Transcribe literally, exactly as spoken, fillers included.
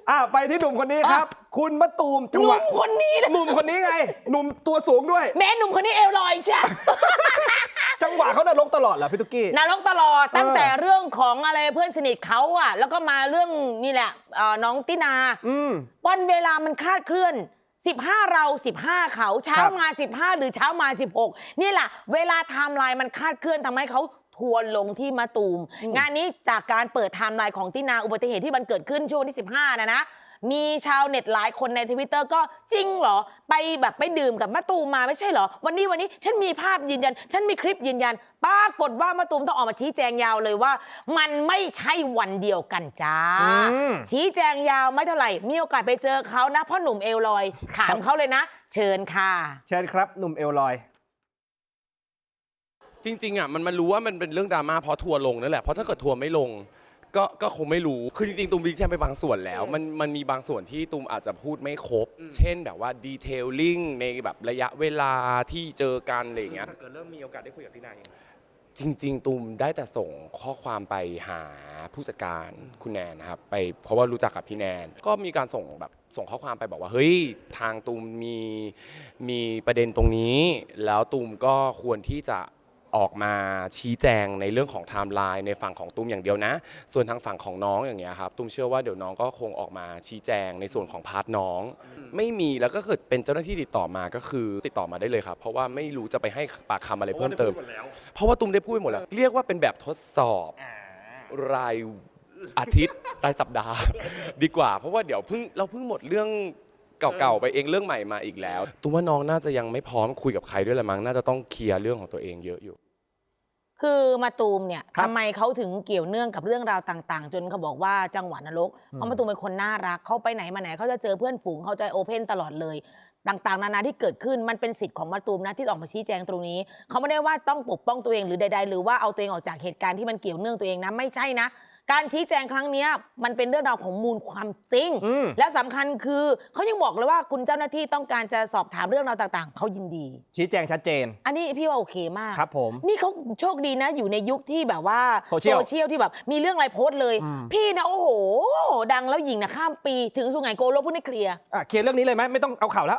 อ่ะไปที่หนุ่มคนนี้ครับ คุณมะตูมจังหหวะนุ่มคนนี้เลยหนุ่มคนนี้ไง หนุ่มตัวสูงด้วยแม่หนุ่มคนนี้เอวลอยใช่จังหวะเขานรกตลอดเหรอพี่ตุ๊กกี้นรกตลอดตั้งแต่เรื่องของอะไรเพื่อนสนิทเขาอะแล้วก็มาเรื่องนี่แหละเอ่อน้องตินาอืมวันเวลามันคลาดเคลื่อนสิบห้าเราสิบห้าเขาเช้าครับมาสิบห้าหรือเช้ามาสิบหกนี่แหละเวลาไทม์ไลน์มันคลาดเคลื่อนทำให้เขาทัวร์ลงที่มะตูม งานนี้จากการเปิดไทม์ไลน์ของตินาอุบัติเหตุที่มันเกิดขึ้นช่วงวันที่สิบห้านะนะมีชาวเน็ตหลายคนในทวิตเตอร์ก็จริงเหรอไปแบบไปดื่มกับมะตูมมาไม่ใช่เหรอวันนี้วันนี้ฉันมีภาพยืนยันฉันมีคลิปยืนยันปรากฏว่ามะตูมต้องออกมาชี้แจงยาวเลยว่า มันไม่ใช่วันเดียวกันจ้าอืมชี้แจงยาวไม่เท่าไหร่มีโอกาสไปเจอเขานะพ่อหนุ่มเอลลอยถามเขาเลยนะ เชิญค่ะเชิญครับหนุ่มเอลลอยจริงๆอ่ะมันมันรู้ว่ามันเป็นเรื่องดราม่าเพราะทัวร์ลงนั่นแหละเพราะถ้าเกิดทัวร์ไม่ลงก็ก็คงไม่รู้คือจริงๆตูมวิกแชมไปบางส่วนแล้วมันมันมีบางส่วนที่ตูมอาจจะพูดไม่ครบ เช่นแบบว่าดีเทลลิ่งในแบบระยะเวลาที่เจอกันอะไรอย่างเงี้ยเกิดเริ่มมีโอกาสได้คุยกับพี่นายจริงๆตูมได้แต่ส่งข้อความไปหาผู้จัดการคุณแนนนะครับไปเพราะว่ารู้จักกับพี่แนนก็มีการส่งแบบส่งข้อความไปบอกว่าเฮ้ยทางตูมมีมีประเด็นตรงนี้ แล้วตูมก็ควรที่จะออกมาชี้แจงในเรื่องของไทม์ไลน์ในฝั่งของตูมอย่างเดียวนะส่วนทางฝั่งของน้องอย่างเงี้ยครับตูมเชื่อว่าเดี๋ยวน้องก็คงออกมาชี้แจงในส่วนของพาร์ทน้อง ไม่มีแล้วก็เกิดเป็นเจ้าหน้าที่ติดต่อมาก็คือติดต่อมาได้เลยครับเพราะว่าไม่รู้จะไปให้ปากคำอะไรเพิ่มเติม เพราะว่าตูมได้พูดไปหมดแล้ว เรียกว่าเป็นแบบทดสอบรายอาทิตย์ รายสัปดาห์ ดีกว่า เพราะว่าเดี๋ยวเพิ่งเราเพิ่งหมดเรื่องเก่าๆไปเองเรื่องใหม่มาอีกแล้วตูมว่าน้องน่าจะยังไม่พร้อมคุยกับใครด้วยละมั้งน่าจะต้องเคลียร์เรื่องของตัวเองเยอะอยู่คือมาตูมเนี่ยครับทำไมเขาถึงเกี่ยวเนื่องกับเรื่องราวต่างๆ จนเขาบอกว่าจังหวัดนรกเพราะมาตูมเป็นคนน่ารักเขาไปไหนมาไหนเขาจะเจอเพื่อนฝูงเขาจะโอเพนตลอดเลย ต่างๆ นานาที่เกิดขึ้นมันเป็นสิทธิ์ของมาตูมนะที่ออกมาชี้แจงตรงนี้ เขาไม่ได้ว่าต้องปกป้องตัวเองหรือใดๆหรือว่าเอาตัวเองออกจากเหตุการณ์ที่มันเกี่ยวเนื่องตัวเองนะไม่ใช่นะ การชี้แจงครั้งนี้มันเป็นเรื่องราวของมูลความจริงอืมและสำคัญคือเขายังบอกเลยว่าคุณเจ้าหน้าที่ต้องการจะสอบถามเรื่องราวต่างๆเขายินดีชี้แจงชัดเจนอันนี้พี่ว่าโอเคมากครับผมนี่เขาโชคดีนะอยู่ในยุคที่แบบว่าโซเชียลเชียลที่แบบมีเรื่องอะไรโพสต์เลยอืมพี่นะโอ้โห ดังแล้วหญิงนะข้ามปีถึงสุไหงโกลกพูดให้เคลียร์อ่ะเคลียร์เรื่องนี้เลยไหมไม่ต้องเอาข่าวแล้ว